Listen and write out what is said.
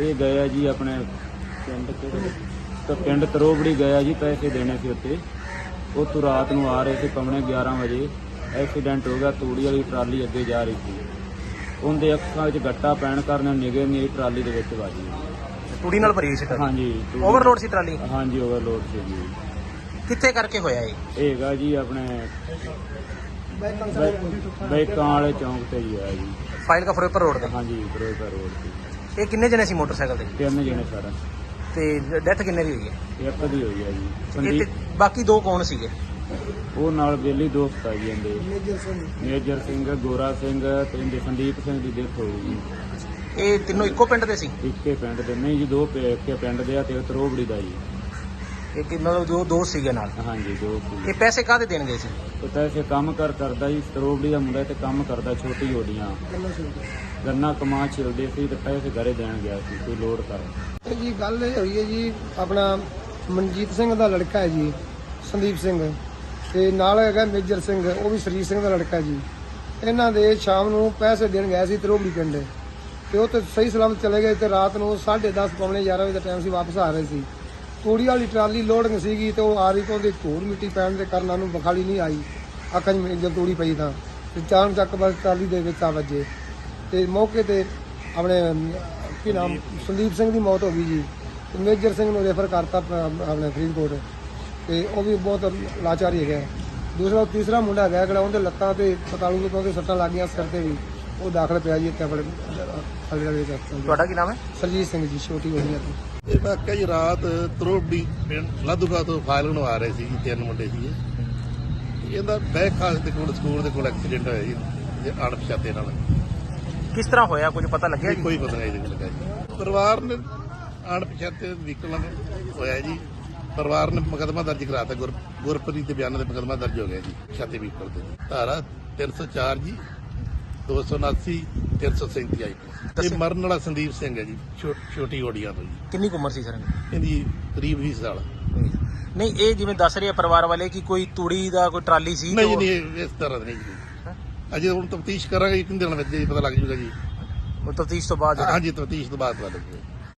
ਇਹ ਗਏ ਆ ਜੀ ਆਪਣੇ ਪਿੰਡ ਤਰੋਬੜੀ ਗਏ ਜੀ, ਪੈਸੇ ਦੇਣੇ ਸੀ ਉੱਤੇ। ਉੱਥੋਂ ਰਾਤ ਨੂੰ ਆ ਰਹੇ ਸੀ ਪੌਣੇ 11 ਵਜੇ, ਐਕਸੀਡੈਂਟ ਹੋ ਗਿਆ। ਤੂੜੀ ਵਾਲੀ ਟਰਾਲੀ ਅੱਗੇ ਜਾ ਰਹੀ ਸੀ, ਉਹਦੇ ਅੱਖਾਂ ਵਿੱਚ ਗੱਟਾ ਪੈਣ ਕਾਰਨ ਨਿਗਾਹ ਮੇਰੀ ਟਰਾਲੀ ਦੇ ਵਿੱਚ ਵੱਜ ਗਈ। ਤੂੜੀ ਨਾਲ ਭਰੀ ਸੀ ਟਰਾਲੀ? ਹਾਂਜੀ। ਓਵਰਲੋਡ ਸੀ ਟਰਾਲੀ? ਹਾਂਜੀ ਓਵਰਲੋਡ ਸੀ ਜੀ। ਕਿੱਥੇ ਕਰਕੇ ਹੋਇਆ ਇਹ? ਇਹ ਹੈਗਾ ਜੀ ਆਪਣੇ ਬੈਕਾਂ ਵਾਲੇ ਚੌਂਕ ਤੇ ਹੀ ਹੋਇਆ ਜੀ। ਫਾਈਲ ਕਾ ਫਿਰੋਜ਼ਪੁਰ ਰੋਡ ਤੇ? ਹਾਂਜੀ ਫਿਰੋਜ਼ਪੁਰ ਰੋਡ ਤੇ। ਇਹ ਕਿੰਨੇ ਜਣੇ ਸੀ ਮੋਟਰਸਾਈਕਲ ਤੇ? 3 ਜਣੇ ਸਾਰਾ। ਤੇ ਡੈਥ ਕਿੰਨੇ ਦੀ ਹੋਈ ਹੈ? ਇੱਕ ਦੀ ਹੋਈ ਹੈ ਜੀ ਇਹ ਸੰਦੀਪ। ਤੇ ਬਾਕੀ ਦੋ ਕੌਣ ਸੀਗੇ? ਉਹ ਨਾਲ ਬੇਲੀ ਦੋਸਤ ਆ ਜੀ ਜਾਂਦੇ, ਮੇਜਰ ਸਿੰਘ, ਗੋਰਾ ਸਿੰਘ ਤੇ ਇਹਦੇ ਸੰਦੀਪ ਸਿੰਘ ਦੀ ਡੈਥ ਹੋ ਗਈ ਜੀ। ਇਹ ਤਿੰਨੋਂ ਇੱਕੋ ਪਿੰਡ ਦੇ ਸੀ? ਇੱਕੇ ਪਿੰਡ ਦੇ ਨਹੀਂ ਜੀ, ਦੋ ਇੱਕੇ ਪਿੰਡ ਦੇ ਆ ਤੇ ਤਰੋਬੜੀ ਦਾ ਜੀ। ਇਹ ਮਤਲਬ ਦੋ ਦੋਸਤ ਸੀਗੇ ਨਾਲ? ਹਾਂਜੀ ਦੋ ਸੀ। ਇਹ ਪੈਸੇ ਕਾਹਦੇ ਦੇਣ ਗਏ ਸੀ? ਤੇ ਪੈਸੇ ਕੰਮ ਕਰਦਾ ਜੀ, ਤਰੋਬੜੀ ਦਾ ਮੁੰਡਾ ਤੇ ਕੰਮ ਕਰਦਾ ਛੋਟੀ ਓਡੀਆਂ ਗੰਨਾ ਕਮਾ ਛਿਲਦੇ ਸੀ ਤੇ ਪੈਸੇ ਘਰੇ ਦੇਣ ਗਿਆ ਸੀ ਕੋਈ ਲੋੜ ਕਰ। ਇਹ ਜੀ ਗੱਲ ਇਹ ਹੋਈ ਹੈ ਜੀ, ਆਪਣਾ ਮਨਜੀਤ ਸਿੰਘ ਦਾ ਲੜਕਾ ਹੈ ਜੀ ਸੰਦੀਪ ਸਿੰਘ, ਤੇ ਨਾਲ ਹੈਗਾ ਮੇਜਰ ਸਿੰਘ, ਉਹ ਵੀ ਸਰੀਰ ਸਿੰਘ ਦਾ ਲੜਕਾ ਜੀ। ਇਹਨਾਂ ਦੇ ਸ਼ਾਮ ਨੂੰ ਪੈਸੇ ਦੇਣ ਗਏ ਸੀ ਤਰੋਬੜੀ ਪਿੰਡ, ਤੇ ਉਹ ਤੇ ਸਹੀ ਸਲਾਮਤ ਚਲੇ ਗਏ। ਤੇ ਰਾਤ ਨੂੰ 10:30 ਪੌਣੇ 11 ਵਜੇ ਦਾ ਟਾਈਮ ਸੀ, ਵਾਪਸ ਆ ਰਹੇ ਸੀ। ਤੂੜੀ ਵਾਲੀ ਟਰਾਲੀ ਲੋਡਿੰਗ ਸੀਗੀ ਤੇ ਉਹ ਆ ਰਹੀ, ਤੋਂ ਉਹਦੇ ਧੂੜ ਮਿੱਟੀ ਪੈਣ ਦੇ ਕਾਰਨ ਉਹਨੂੰ ਬਖਾਲੀ ਨਹੀਂ ਆਈ ਅੱਖਾਂ 'ਚ ਜਦ ਤੂੜੀ ਪਈ ਤਾਂ ਚਾਣ ਚੱਕ ਬਸ ਟਰਾਲੀ ਦੇ ਵਿੱਚ ਆ ਵੱਜੇ ਤੇ ਮੌਕੇ ਤੇ ਆਪਣੇ ਕੀ ਨਾਮ ਸੰਦੀਪ ਸਿੰਘ ਦੀ ਮੌਤ ਹੋ ਗਈ ਜੀ। ਤੇ ਮੇਜਰ ਸਿੰਘ ਨੂੰ ਰੈਫਰ ਕਰਤਾ ਆਪਣੇ ਫਰੀਦਕੋਟ, ਤੇ ਉਹ ਵੀ ਬਹੁਤ ਲਾਚਾਰੀ ਹੈਗਾ। ਤੀਸਰਾ ਮੁੰਡਾ ਹੈਗਾ ਜਿਹੜਾ ਉਹਦੇ ਲੱਤਾਂ ਤੇ ਪਤਾਲੂ ਤੋਂ ਸੱਟਾਂ ਲੱਗੀਆਂ, ਸਿਰ ਤੇ ਵੀ, ਉਹ ਦਾਖਲ ਪਿਆ ਜੀ ਇੱਥੇ ਆਪਣੇ ਹਸਪਤਾਲ। ਤੁਹਾਡਾ ਕੀ ਨਾਮ ਹੈ? ਸਰਜੀਤ ਸਿੰਘ ਜੀ, ਛੋਟੀ ਹੋਈਆਂ ਤੇ। ਇਹ ਵਾਕਿਆ ਜੀ ਰਾਤ ਤਰੋਬੜੀ ਪਿੰਡ ਲਾਧੂਗਾ ਤੋਂ ਫਾਇਲ ਨੂੰ ਆ ਰਹੇ ਸੀ ਜੀ, 3 ਮੁੰਡੇ ਸੀ। ਇਹਦਾ ਬੈਕ ਖਾਸ ਦੇ ਕੋਲ ਸਕੂਲ ਦੇ ਕੋਲ ਐਕਸੀਡੈਂਟ ਹੋਇਆ ਜੀ ਅਣਪਛਾਤੇ ਨਾਲ। ਕਿਸ ਤਰ੍ਹਾਂ ਹੋਇਆ, ਕੁਝ ਪਤਾ ਲੱਗਿਆ ਜੀ? ਕੋਈ ਪਤਾ ਨਹੀਂ ਇਹਦੇ ਲੱਗਾ ਜੀ। ਪਰਿਵਾਰ ਨੇ ਅਣਪਛਾਤੇ ਵਹੀਕਲ ਨਾਲ ਹੋਇਆ ਜੀ। ਪਰਿਵਾਰ ਨੇ ਮੁਕੱਦਮਾ ਦਰਜ ਕਰਾਤਾ, ਗੁਰਪ੍ਰੀਤ ਦੇ ਬਿਆਨ ਤੇ ਮੁਕੱਦਮਾ ਦਰਜ ਹੋ ਗਿਆ ਜੀ ਛਾਤੇ ਵਹੀਕਲ ਤੇ। ਧਾਰਾ 304 ਜੀ, 279, 337 ਆਈ। ਇਹ ਮਰਨ ਵਾਲਾ ਸੰਦੀਪ ਸਿੰਘ ਹੈ ਜੀ, ਛੋਟੀ ਓਡੀਆਂ ਤੋਂ ਜੀ। ਕਿੰਨੀ ਕੁ ਉਮਰ ਸੀ ਸਰ ਇਹਦੀ ਕਰੀਬ 20 ਸਾਲ। ਨਹੀਂ, ਇਹ ਜਿਵੇਂ ਦੱਸ ਰਹੇ ਆ ਪਰਿਵਾਰ ਵਾਲੇ ਕਿ ਕੋਈ ਤੂੜੀ ਦਾ ਕੋਈ ਟਰਾਲੀ ਸੀ? ਨਹੀਂ ਨਹੀਂ, ਇਸ ਤਰ੍ਹਾਂ ਨਹੀਂ ਜੀ। ਅਜੇ ਹੁਣ ਤਫਤੀਸ਼ ਕਰਾਂਗੇ, ਕਿੰਨੇ ਦਿਨ ਵਿੱਚ ਪਤਾ ਲੱਗ ਜੂਗਾ ਜੀ। ਉਹ ਤਫਤੀਸ਼ ਤੋਂ ਬਾਅਦ? ਹਾਂਜੀ, ਤਫਤੀਸ਼ ਤੋਂ ਬਾਅਦ ਪਤਾ ਲੱਗੂਗਾ।